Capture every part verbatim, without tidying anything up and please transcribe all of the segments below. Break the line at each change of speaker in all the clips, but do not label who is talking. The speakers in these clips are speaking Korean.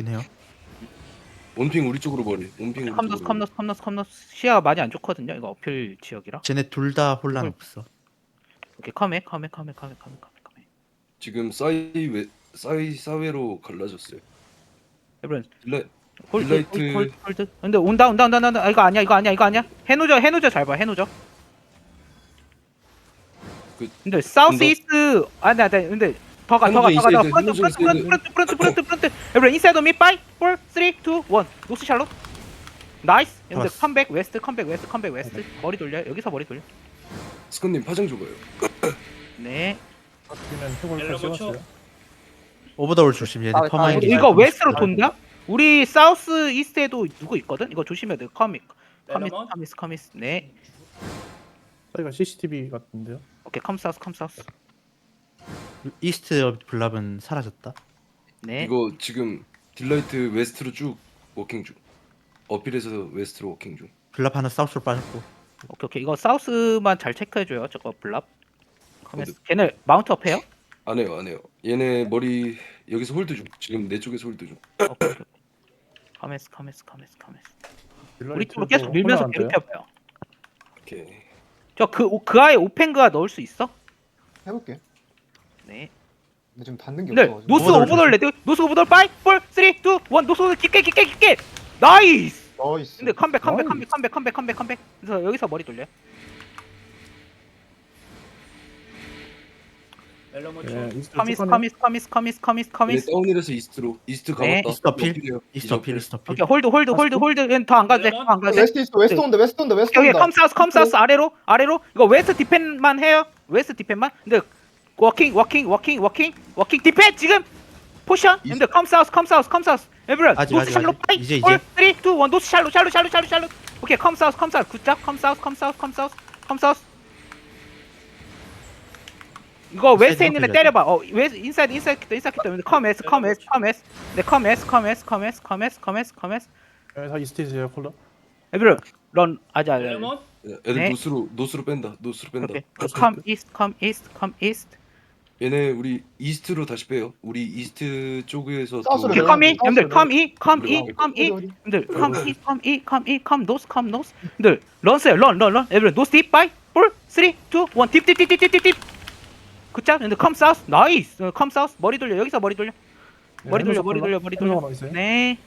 해요.
원핑 우리 쪽으로 버리. 원핑 우리
컴너스
쪽으로.
컴너스 컴너스 컴너스 시야가 많이 안 좋거든요. 이거 어필 지역이라.
쟤네 둘 다 혼란
이걸-
없어.
오케이 컴에 컴에 컴에 컴에 컴에 컴에 컴에.
지금 사이 외 사이 사회로 갈라졌어요.
에브런
딜라
홀드
딜라이트-
홀드 홀드. 근데 온다 온다 온다 온다. 아, 이거 아니야 이거 아니야 이거 아니야. 해노저 해노저 잘 봐 해노저.
그-
근데 사우스
온다.
이스트 아니 아니 근데 더가 더가
해노저
더가 더
인사이드,
프런트
해노저
프런트 프런트
인사이드.
프런트 프런트 프런트. 에브런 인사이드 미 파이브 사 삼 이 일. 노스 샬롯. 나이스. 근데
좋았어.
컴백 웨스트 컴백 웨스트 컴백 웨스트. 머리 돌려 여기서 머리 돌려.
스컨님 파장 줘봐요.
네.
바뀌면 해골
옐로우
씌웠어요.
오버더울 조심. 얘네
아,
터마인.
아,
이거 웨스트로 돈다? 우리 사우스 이스트에도 누구 있거든? 이거 조심해야 돼. 커밋. 커밋
렐러먼?
커밋 커밋. 네.
사이가 씨씨티비 같은데요.
오케이 컴 사우스 컴 사우스.
이스트 블랍은 사라졌다.
네.
이거 지금 딜라이트 웨스트로 쭉 워킹 중. 어필에서 웨스트로 워킹 중.
블랍 하나 사우스로 빠졌고.
오케이 오케이 이거 사우스만 잘 체크해줘요. 저거 블랍. 커밋.
근데-
걔네 마운트업 해요?
안 해요, 안 해요. 얘네 머리 여기서 홀드 중. 지금 내 쪽에서 홀드 중.
오케이 오케이. 커밋 커밋 커밋 커밋. 우리 쪽으로 계속 밀면서 괴롭혀봐요.
오케이.
저그 그 아예 오펜그가 넣을 수 있어?
해볼게.
네.
근데 지금 닿는 게
근데
없어가지고.
노스
오버돌
오버돌 레드. 노스 오버돌 파이브 사 삼 이 일. 노스 오버돌 깊게 깊게 깊게. 나이스.
나이스.
근데 컴백 컴백
나이스.
컴백 컴백 컴백 컴백 컴백. 그래서 여기서 머리 돌려.
멜로몬
예,
초.
이스트
커미스
쭉
커미스 커미스 커미스 커미스
얘네
커미스.
다운힐에서 이스트로. 이스트
네.
가봤다.
이스트 어필.
어필이에요.
이스트 어필. 이스트 어필.
오케이 홀드 홀드 홀드 홀드. 더안 가도 돼. 더안 가도 돼.
웨스트 있어. 웨스트 온다. 웨스트 온다. 웨스트
여기
온다.
컴 사우스 컴 사우스 아래로 아래로. 이거 웨스트 디펜만 해요. 웨스트 디펜만. 근데 워킹 워킹 워킹 워킹 워킹 디펜 지금 포션. 근데 컴 사우스 컴 사우스 컴 사우스. 에브런
아직,
노스
아직,
샬로
아직.
파이.
이제,
사
이제.
삼 이 일. 노스 샬로 샬로 샬로 샬로 샬로. 오케이 컴 사우스 컴 사우스 굿잡 컴 사우스 컴 사우스 컴 사우스 컴 사우스. 이거 웨스트에 있는 애
컴
때려봐. 어 웨스 인사이드 인사이드 인사이드 때문에 컴 에스 컴 에스 컴 에스. 네 컴 에스 컴 에스 컴 에스 컴 에스 컴 에스 컴 에스.
예, 다 이스트에서요 콜러.
에브런 런 아자 아자.
렐러몬?
애들
네.
노스로 노스로 뺀다. 노스로 뺀다.
오케이. 컴 이스트 컴 이스트 컴 이스트.
얘네 우리 이스트로 다시 빼요. 우리 이스트 쪽에서
사우스로
오케이
네.
컴이
사우스로
여러분들
네.
컴이 컴이
어디,
컴이
어디?
여러분들 컴이 컴이 컴이 컴 노스 컴 노스 여러분들 런스요 런런런 에브런 노스 딥 바이 사 삼 이 일 딥딥딥딥딥딥 굿잡 여러분들 컴 사우스 나이스 컴 사우스 머리 돌려 여기서 머리 돌려 머리 돌려 머리 돌려 머리 돌려 네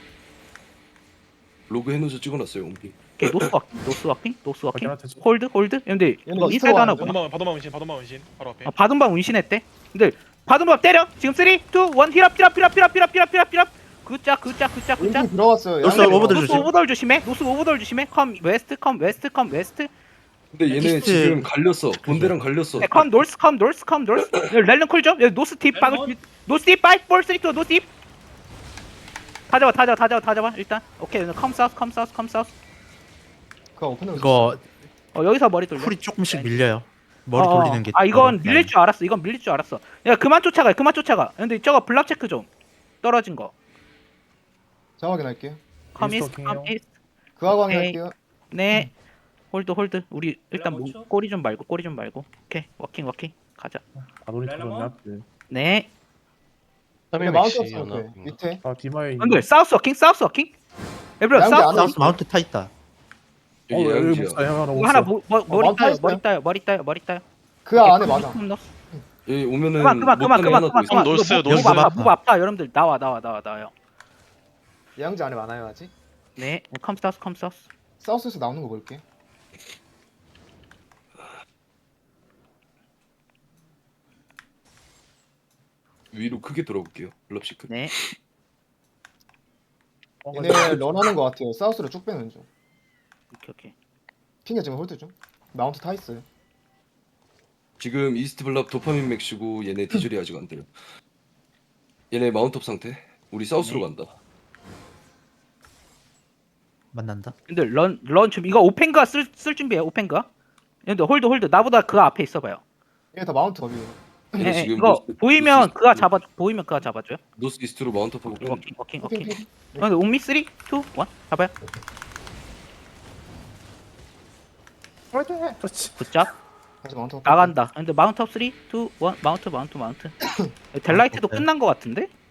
로그 해놓으서 찍어놨어요. 옴피.
오케이 노스 워킹 노스 워킹 노스 워킹
확인하셨죠?
홀드 홀드 여러분들
얘는
이거
이스트로
인사이드 하나
가는데?
보나
바도마 바도마 운신 바도마 운신 바로 앞에.
아, 바둠방 운신했대 근데 바둠방 때려 지금 삼, 이, 일 힐업 힐업 힐업 힐업 힐업 힐업 힐업 힐업 굿잡 굿잡 굿잡 굿잡
왼쪽 들어갔어요.
노스
양쪽으로.
오버돌
노스
조심.
오버돌 조심해. 노스 오버돌 조심해. 컴 웨스트 컴 웨스트 컴 웨스트.
근데 얘네
이스트-
지금 갈렸어. 본대랑 갈렸어.
네, 컴 노스 컴 노스 컴 노스. 렐런 콜 좀. 여기 노스 딥 박.
렐런?
노스 딥 파이브 사 삼 이 노스 딥. 다 잡아 다 잡아 다 잡아 다 잡아 일단. 오케이. 컴 사우스 컴 사우스 컴 사우스.
그거 오픈해.
이거
어 여기서 머리 돌려.
쿨이 조금씩 밀려요. 머리
어, 어.
돌리는 게.
아 이건
더
밀릴 줄 알았어. 이건 밀릴 줄 알았어. 야 그만 쫓아가. 그만 쫓아가. 근데 저거 블랍 체크 좀. 떨어진 거.
자 확인할게요.
컴
이스트
이스트
워킹이요.
컴 이스트.
그거
오케이.
확인할게요.
네. 홀드 홀드. 우리 일단 뭐,
렐런
꼬리 좀 말고 꼬리 좀 말고. 오케이. 워킹 워킹. 가자.
아놀리
렐러몬?
털었냐?
네.
근데 마운트 없어. 오케이. 밑에.
아 디마이.
근데 사우스 워킹 사우스 워킹 에브런
양기
사우스
안
사우스 마운트 타 있다.
어,
여기
여기
양지야.
목사 형 하나
이거 하나
목사.
뭐, 뭐, 머리
마운트
따요
있어요?
머리 따요 머리 따요 머리 따요
그 안에 맞아.
그만
여기 오면은
그만 그만 그만
못하는
그만
하나 더
그만
있어.
그만
노스,
이거 목-
노스.
목 아파
아파.
목 아파 여러분들 나와 나와 나와 나와요
양지 안에 많아요 아직.
네 컴사우스 컴사우스
사우스에서 나오는 거 볼게.
위로 크게 돌아볼게요. 블랍시크.
네
어,
얘네 런하는 거 같아요. 사우스로 쭉 빼는 중.
오케이 오케이
핑계 지금 홀드 중. 마운트 타 있어요.
지금 이스트 블랍 도파민 맥시고 얘네 디젤이 아직 안 돼요. 얘네 마운트업 상태. 우리 사우스로
네.
간다.
만난다.
근데 런런 좀 이거 오펜가 쓸, 쓸 준비해 오펜가 근데 홀드 홀드 나보다 그 앞에 있어봐요
얘네 다 마운트 업이에요.
얘네
네, 네,
지금
이거
노스-
보이면
노스
그가
이스트로-
잡아 보이면 그가 잡아줘요
노스 이스트로 마운트업하고 빼는 중.
워킹 워킹
오케이
워킹
오케이.
근데 옴미 삼, 이, 일 잡아요
그렇지.
굿잡
다시 마운트 업.
나간다 근데 마운트 업 삼, 이, 일 마운트 마운트 마운트 마운트 델라이트도
오케이.
끝난 거 같은데